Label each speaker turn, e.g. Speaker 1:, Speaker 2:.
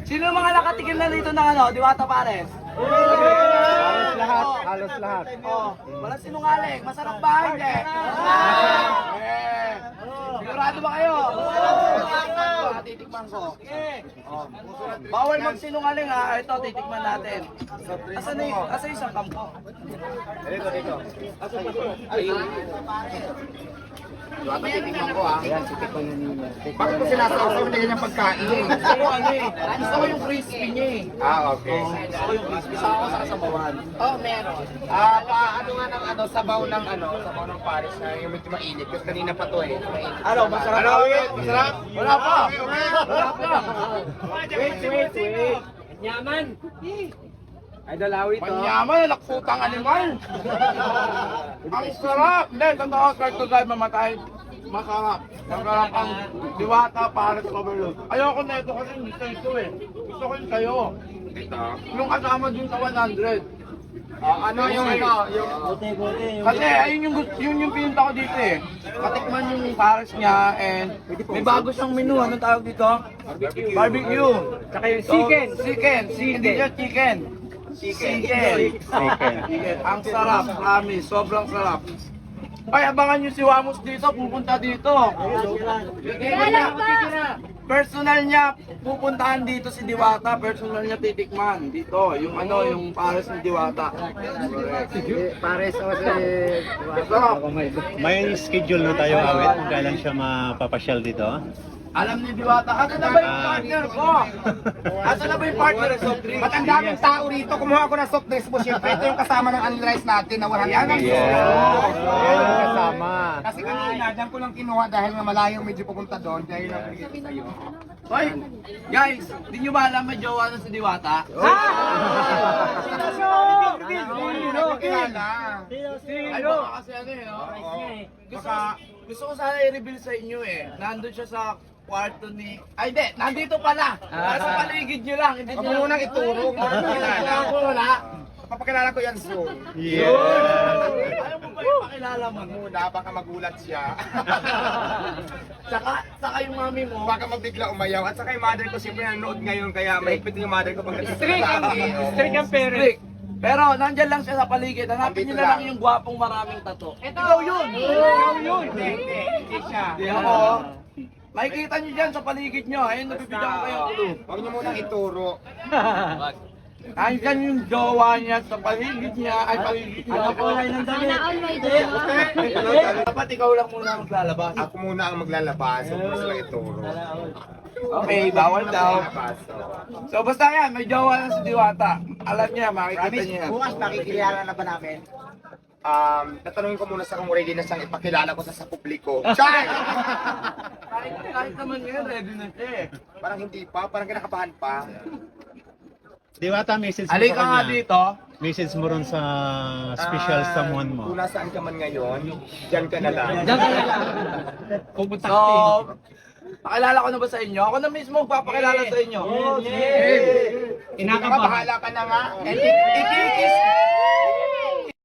Speaker 1: Sino yung mga nakatikim na dito ng ano, Diwata Pares?
Speaker 2: Halos lahat, halos lahat.
Speaker 1: Oh, walang sinungaling. Masarap ba? Hindi. Sigurado ba kayo? Titikman ko. Oh. Bawal magsinungaling ha. Ito, titikman natin. Asan yung isang kampo?
Speaker 2: Dito.
Speaker 1: Diwata, titikman ko ha.
Speaker 2: Ayan, si Tito Nanina.
Speaker 3: Bakit ko sinasawsaw na ganyan pagkain?
Speaker 1: Gusto ko yung crispy niya eh.
Speaker 3: Okay.
Speaker 1: Gusto ko yung crispy. Saka ko sa kasabawan.
Speaker 3: Oh, meron. Ano nga ng sabaw ng Paris na yung medyo mainit. Kasi kanina pa to eh. Mainit.
Speaker 1: Ano, masarap?
Speaker 3: Masarap?
Speaker 1: Wala pa. Wala pa.
Speaker 2: Wait. Yaman. Ay, dalawi to.
Speaker 1: Panyaman, nakputang animal. Ang sarap. Hindi, totoo, start to drive mamatay. Masarap. Masarap ang Diwata Pares Overload. Ayoko na ito kasi hindi ito eh. Gusto ko yung sa'yo.
Speaker 3: Ito.
Speaker 1: Yung kasama dun sa 100.
Speaker 3: Ano yung yung...
Speaker 1: Kasi ayun yung pinunta ko dito eh. Katikman yung pares niya and may bago siyang menu. Anong tawag dito? Barbecue.
Speaker 2: Tsaka yung chicken.
Speaker 1: Hindi siya chicken. Chicken. Ang sarap, promise. Sobrang sarap. Ay, abangan nyo si Wamos dito. Pupunta dito. Personal niya, pupuntahan dito si Diwata. Personal niya titikman dito. Yung yung pares ni Diwata.
Speaker 2: Pares o si...
Speaker 1: Sarap.
Speaker 4: May schedule na tayo awit kung kailan siya mapapasyal dito.
Speaker 1: Alam ni Diwata, asa na ba yung partner ko? Asa na ba yung partner ko?
Speaker 3: Ba't ang daming tao rito? Kumuha ako ng soft drinks mo. Siyempre, ito yung kasama ng unrice natin na 100
Speaker 1: Yan ang
Speaker 3: pesos.
Speaker 2: Yan ang kasama.
Speaker 3: Kasi kanina, dyan ko lang kinuha dahil nga malayong medyo pupunta doon. Dahil lang bigay ko sa'yo.
Speaker 1: Hoy, guys, di nyo ba alam may jowa na si Diwata?
Speaker 3: Hindi ko kilala.
Speaker 1: Ay, baka kasi no? Gusto ko sana i-reveal sa inyo eh. Nandun siya sa kwarto ni... Ay, hindi! Nandito pala! Nasa paligid nyo lang. Hindi
Speaker 3: Huwag
Speaker 1: nyo
Speaker 3: mo munang ituro.
Speaker 1: Kilala ko, wala.
Speaker 3: Papakilala ko yan soon.
Speaker 1: Ayaw mo ba ipakilala mo?
Speaker 3: Muna, baka magulat siya.
Speaker 1: Saka yung mami mo.
Speaker 3: Baka magbigla umayaw. At saka yung mother ko siyempre nanonood ngayon. Kaya mahigpit yung mother ko pag
Speaker 2: Strict ang parents.
Speaker 1: Strict. Pero nandyan lang siya sa paligid. Hanapin nyo na lang yung gwapong maraming tato. Ikaw yun!
Speaker 3: Hindi siya.
Speaker 1: Hindi ako. Makikita nyo dyan sa paligid nyo. Ayun, nabibigyan ko kayo.
Speaker 3: Huwag niyo munang ituro.
Speaker 1: Andyan yung jowa niya sa paligid niya. Ay, paligid niya. Ano po?
Speaker 5: Sana all may dala.
Speaker 1: Dapat ikaw lang muna maglalabas.
Speaker 3: Ako muna ang maglalabas. Huwag mo sila ituro.
Speaker 1: Okay, bawal daw. So basta yan, may jowa na si Diwata. Alam niya, makikita niya yan.
Speaker 3: Bukas makikilala na ba namin? Tatanungin ko muna sa kung ready na siyang ipakilala ko sa publiko. Char!
Speaker 1: Kahit naman ngayon, ready na siya eh.
Speaker 3: Parang hindi pa, parang kinakabahan pa.
Speaker 4: Diwata, message mo
Speaker 1: Halika
Speaker 4: sa
Speaker 1: nga
Speaker 4: kanya.
Speaker 1: dito.
Speaker 4: Message mo ron sa special someone mo.
Speaker 3: Kung nasaan ka man ngayon, dyan ka na lang.
Speaker 2: Pupunta
Speaker 1: So, pakilala ko na ba sa inyo? Ako na mismo magpapakilala sa inyo.
Speaker 3: Kinakabahala ka na nga. And